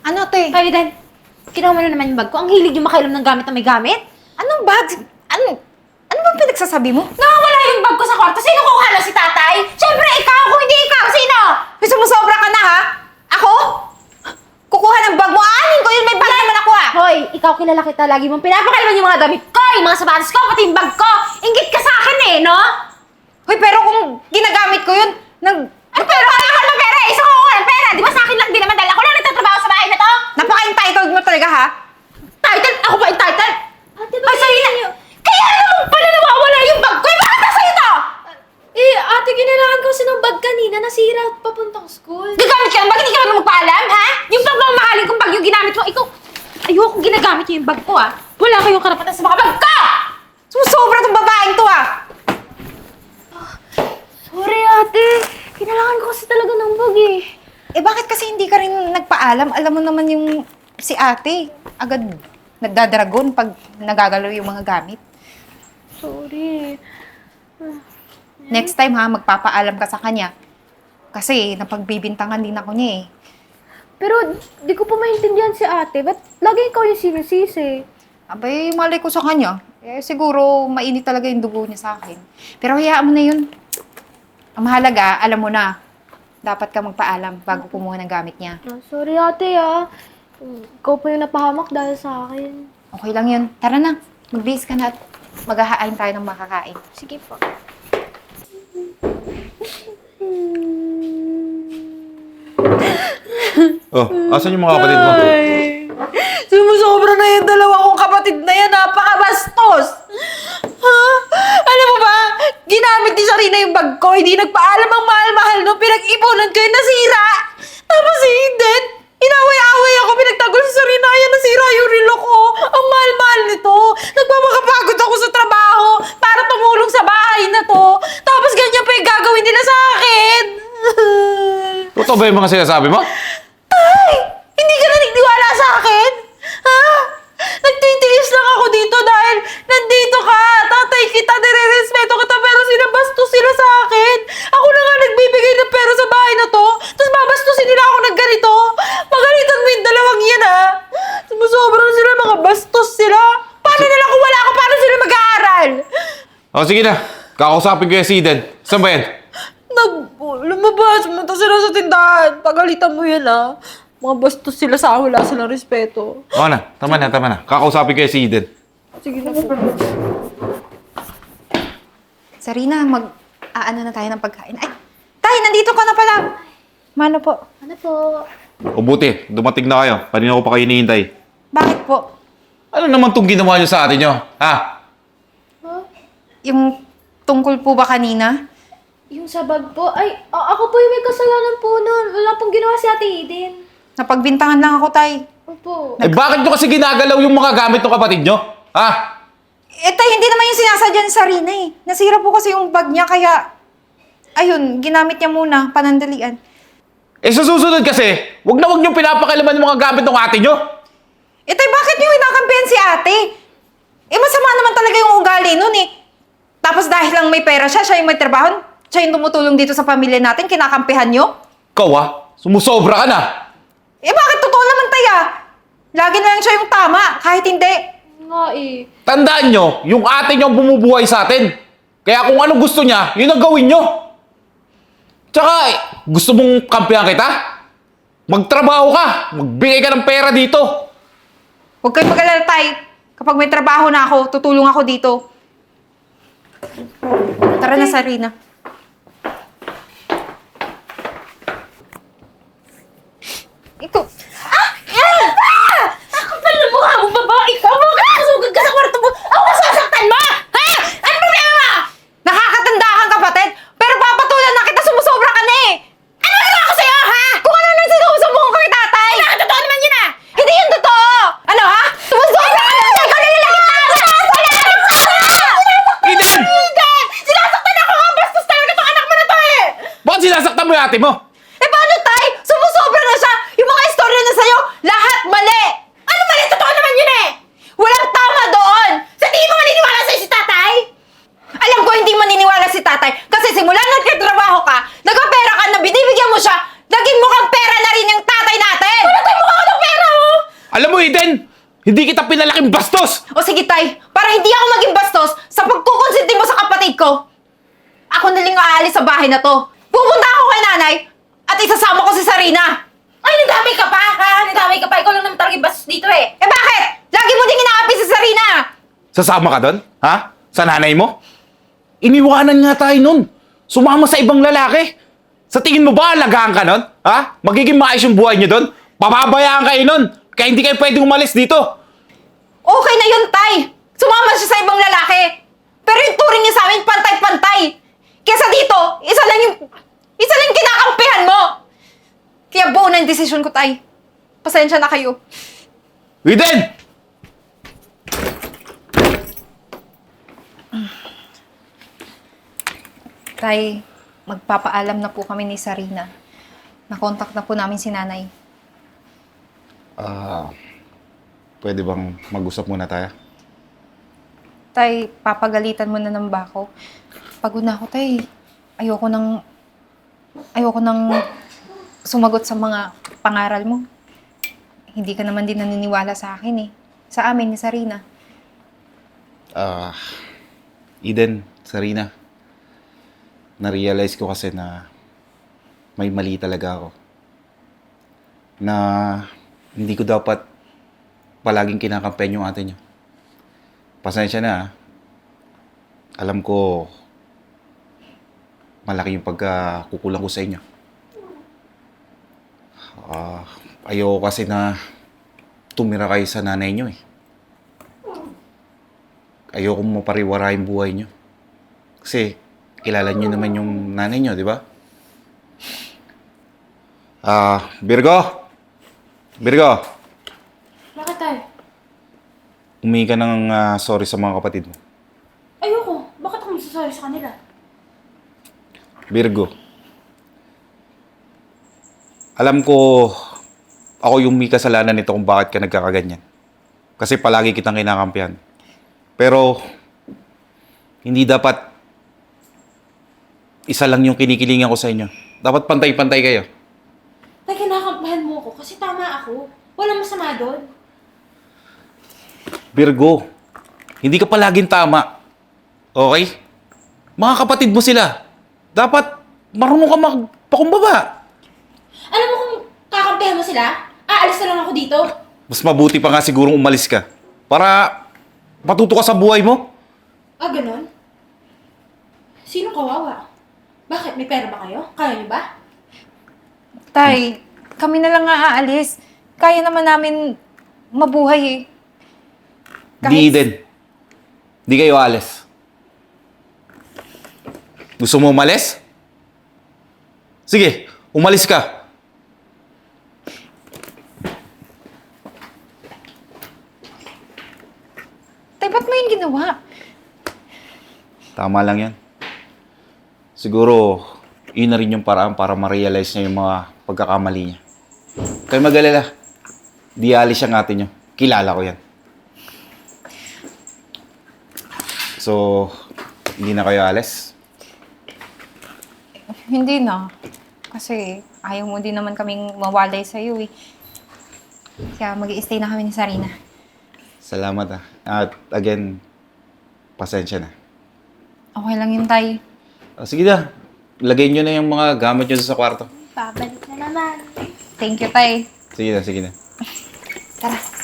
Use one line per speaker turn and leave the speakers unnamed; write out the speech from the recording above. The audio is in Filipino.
Ano, te?
Ay, Dan, kinuha mo na naman yung bag ko. Ang hilig yung makailam ng gamit na may gamit.
Anong bag? Ano bang pinagsasabi mo?
Nakawala yung bag ko sa kwarto. Sino kukuha na si tatay? Siyempre, ikaw. Kung hindi ikaw, sino?
May sumusobra ka na, ha? Ako? Kukuha ng bag mo? Aanin ko yun, may bag naman ako, ah!
Hoy, ikaw kilala kita. Lagi mong pinapakailaman yung mga damit ko, yung mga sapatos ko, pati yung bag ko. Ingit ka sa akin eh, no?
Hoy, pero kung ginagamit ko yun,
Ay, pero wala ka ng pera. Isa ko kuha ng pera. Di ba sa akin lang din naman dahil ako lang nagtatrabaho sa bahay na to?
napaka-entitled mo talaga, ha?
Title? Ako ba entitled? Ate,
Ay, Sarina!
Kaya naman pala nawawala yung bag ko. Eh, bakit nasa ito?
Ate, kailangan ko kasi ng bag kanina. Nasira at papuntang school.
Gagamit ka ng bag, hindi ka naman magpaalam, ha? Yung bag mo, mahalin kong bag yung ginamit mo. Ikaw, ayokong ginagamit yung bag ko, ha? Wala kayong karapatan sa mga bag ko!
Sumusobra tong babaeng to, ah!
Sorry, ate. Kailangan ko kasi talaga ng bag eh.
Eh, bakit kasi hindi ka rin nagpaalam? Alam mo naman yung si ate, agad nagdadragon pag nagagalaw yung mga gamit.
Sorry.
Next time, ha, magpapaalam ka sa kanya. Kasi napagbibintangan din ako niya, eh.
Pero di ko pa maintindihan si ate. Ba't lagi ikaw yung sinisisi?
Abay, malay ko sa kanya. Eh, siguro mainit talaga yung dugo niya sa akin. Pero hayaan mo na yun. Ang mahalaga, alam mo na, dapat ka magpaalam bago kumuha ng gamit niya.
Sorry, ate ah. Ikaw pa yung napahamak dahil sa akin.
Okay lang yun. Tara na, magbihis ka na at maghahain tayo ng makakain.
Sige po.
Oh, asan yung mga kapatid mo?
Sumusobra na yung dalawa kong kapatid na yan. Napakabastos! Ha? Alam mo ba? Ginamit ni Sarina yung bag ko. Hindi nagpaalam ang mahal-mahal no. Pinag-ipunan ko yung nasira. Tapos si Eden, inaway-away ako. Pinagtagol si Sarina. Ayan, nasira yung relo ko. Ang mahal-mahal nito. Nagmamakapagod ako sa trabaho para tumulong sa bahay na to. Tapos ganyan pa yung gagawin nila sa akin.
Totoo ba yung mga sinasabi mo?
Tay! Hindi ka naniniwala sa akin? Ha? Nagtitiis lang ako dito dahil nandito ka. Tatay kita, nire-respeto kita, pero sinabastos sila sa akin. Ako na nga nagbibigay ng pera sa bahay na to, tapos babastusin nila ako ng ganito. Magalitan mo yung dalawang yan, ha? Sumusobra sila, mga bastos sila. Paano nila kung wala ako? Paano sila mag-aaral?
Oh, sige na. Kakausapin ko yung si Eden. Saan ba yan?
Lumabas, pumunta sila sa tindahan. Pagalitan mo yan, ha? Mga bastos sila sa akin, wala silang respeto.
Oo na, tama na, tama na. Kakausapin ko yung si Eden.
Sige na po. Sarina, mag-aano na tayo ng pagkain. Ay, tay, nandito ka na pala. Mano po?
Ano po?
O buti, dumating na kayo. Kanina ko pa kayo hinihintay.
Bakit po?
Ano naman itong ginawa niyo sa atin nyo? Ha?
Yung tungkol po ba kanina?
Yung sa bag po? Ay, ako po yung may kasalanan po nun. Wala pong ginawa si ate Eden.
Napagbintangan lang ako, tay.
Opo.
Eh bakit nyo kasi ginagalaw yung mga gamit ng kapatid nyo? Ha?
Eh, tay, hindi naman yung sinasadya ni Sarina eh. Nasira po kasi yung bag niya, kaya... Ayun, ginamit niya muna, panandalian.
Eh sa susunod kasi, wag na wag nyo pinapakalaman yung mga gamit ng ate nyo.
Eh, tay, bakit niyo inakampihan si ate? Eh, masama naman talaga yung ugali nun eh. Tapos dahil lang may pera siya, siya yung may trabaho, siya yung tumutulong dito sa pamilya natin, kinakampihan niyo?
Ikaw sumusobra ka na.
Eh, bakit totoo naman, tay ah? Lagi na lang siya yung tama, kahit hindi.
Nga eh.
Tandaan nyo, yung ate nyo ang bumubuhay sa atin. Kaya kung anong gusto niya, yun ang gawin nyo. Tsaka, gusto mong kampihan kita? Magtrabaho ka, magbigay ka ng pera dito.
Huwag kayong mag-alala, tay. Kapag may trabaho na ako, tutulong ako dito. Tara na, Sarina. Ikaw.
Ako pala ng mukha mo, babae ka! Bakit nakasugod ka sa kwarto mo? Ako masasaktan mo! Ha? Ano problema mo?
Nakakatanda kang kapatid, pero papatulan na kita, sumusobra ka na eh!
Ano nagawa ko sa'yo, ha?
Kung ano nang sinusumbong ko kay tatay!
Totoo naman yun, ha?
Hindi yun totoo! Ano ha? Sumusobra ka na! Ikaw na
Eden!
Eden! Sinasaktan ako! Ang bastos talaga itong anak mo na to, eh!
Bakit sinasaktan mo yung ate mo?
Eh paano, tay? Sumusobra na siya! Yung mga istorya na sa'yo, lahat mali!
Ano mali? Totoo naman yun, eh!
Walang tama doon!
Sa tingin mo maniniwala sa'yo si tatay?
Alam ko hindi maniniwala si tatay kasi simula nagkatrabaho ka, nagpapera ka na binibigyan mo siya, naging mukhang pera na rin yung tatay natin!
Wala tayong mukha ng pera!
Eden! Hindi kita pinalaking bastos!
O sige, Tay, para hindi ako maging bastos sa pagkukonsinti mo sa kapatid ko, ako na lang aalis sa bahay na to. Pupunta ako kay nanay at isasama ko si Sarina.
Ay, nadamay ka pa, ha? Nadamay ka pa. Ikaw lang naman talaga yung bastos dito eh.
Eh bakit? Lagi mo din inaapi si Sarina.
Sasama ka doon? Ha? Sa nanay mo? Iniwanan nga tayo nun. Sumama sa ibang lalaki. Sa tingin mo ba alagaan ka nun? Ha? Magiging maayos yung buhay niyo doon? Pababayaan kayo nun. Kaya hindi kayo pwedeng umalis dito.
Okay na yun, Tay. Sumama siya sa ibang lalaki. Pero yung turing niya sa amin, pantay-pantay. Kesa dito, isa lang yung kinakampihan mo. Kaya buo na yung desisyon ko, Tay. Pasensya na kayo.
Eden!
Tay, magpapaalam na po kami ni Sarina. Nakontak na po namin si nanay.
Pwede bang mag-usap muna tayo?
Tay, papagalitan mo na ng bako. Pagod na ako, Tay. Ayoko nang sumagot sa mga pangaral mo. Hindi ka naman din naniniwala sa akin eh. Sa amin ni Sarina.
Eden, Sarina. Na-realize ko kasi na may mali talaga ako. Na hindi ko dapat palaging kinakampen yung ate niyo. Pasensya na, ah. Alam ko, malaki yung pagkakukulang ko sa inyo. Ayoko kasi na tumira kayo sa nanay niyo eh. Ayoko mapariwara yung buhay niyo. Kasi, kilala niyo naman yung nanay niyo, di ba? Virgo! Virgo!
Bakit, Tay?
Humingi ka ng sorry sa mga kapatid mo.
Ayoko. Bakit ako magsasorry sa kanila?
Virgo. Alam ko, ako yung may kasalanan nito kung bakit ka nagkakaganyan. Kasi palagi kitang kinakampihan. Pero, hindi dapat isa lang yung kinikilingan ko sa inyo. Dapat pantay-pantay kayo.
Tay, kinakampahan mo ako kasi tama ako. Walang masama doon.
Virgo, hindi ka palaging tama. Okay? Mga kapatid mo sila. Dapat marunong ka magpakumbaba.
Alam mo kung kakampihan mo sila, aalis na lang ako dito.
Mas mabuti pa nga sigurong umalis ka. Para matuto ka sa buhay mo.
Ah, ganon? Sino kawawa? Bakit? May pera ba kayo? Kaya niyo ba?
Tay, kami na lang nga aalis. Kaya naman namin mabuhay eh.
Di din. Di kayo alis. Gusto mo umalis? Sige, umalis ka.
Tay, ba't mo yun ginawa?
Tama lang yan. Siguro, yun na rin yung paraan para ma-realize niya yung mga pagkakamali niya. Kayo mag-alala. Di alis siyang ate niyo. Kilala ko yan. So, hindi na kayo alis?
Hindi na. Kasi ayaw mo din naman kaming mawalay sa'yo eh. Kaya mag-i-stay na kami ni Sarina.
Salamat ah. At again, pasensya na.
Okay lang yun, Tay.
Sige na, lagay nyo na yung mga gamit nyo sa kwarto.
Babalik na naman.
Thank you, Tay.
Sige na, sige na.
Tara.